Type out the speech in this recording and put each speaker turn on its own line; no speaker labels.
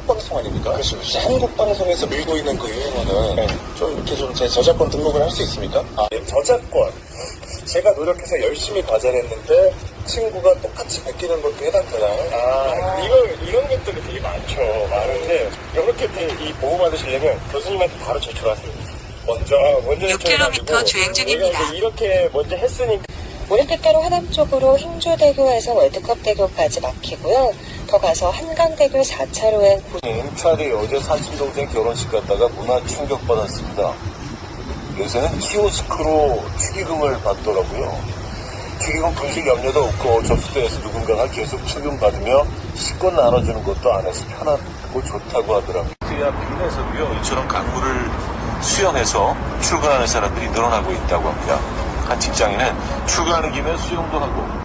방송 아닙니까?
그렇죠.
한국 방송에서 밀고 있는 그 유행어는 좀 이렇게 좀 제 저작권 등록을 할 수 있습니까? 저작권. 제가 노력해서 열심히 과제를 했는데 친구가 똑같이 베끼는 것도 해당되나요?
이런 것들이 되게 많은데, 이렇게 이 보호 받으시려면 교수님한테 바로 제출하세요. 먼저
6km 주행 중입니다.
이제 이렇게 먼저 했으니까.
올림픽대로 하남 쪽으로 행주대교에서 월드컵대교까지 막히고요. 더 가서 한강대교 4차로엔
차례 어제 사촌동생 결혼식 갔다가 문화 충격받았습니다. 요새는 키오스크로 축의금을 받더라고요. 축의금 분실 염려도 없고 접수대에서 누군가가 계속 축의금받으며 식권 나눠주는 것도 안 해서 편하고 좋다고 하더라고요. 빌에서도요, 이처럼 강물을 수영해서 출근하는 사람들이 늘어나고 있다고 합니다. 한 직장인은 출근하는 김에 수영도 하고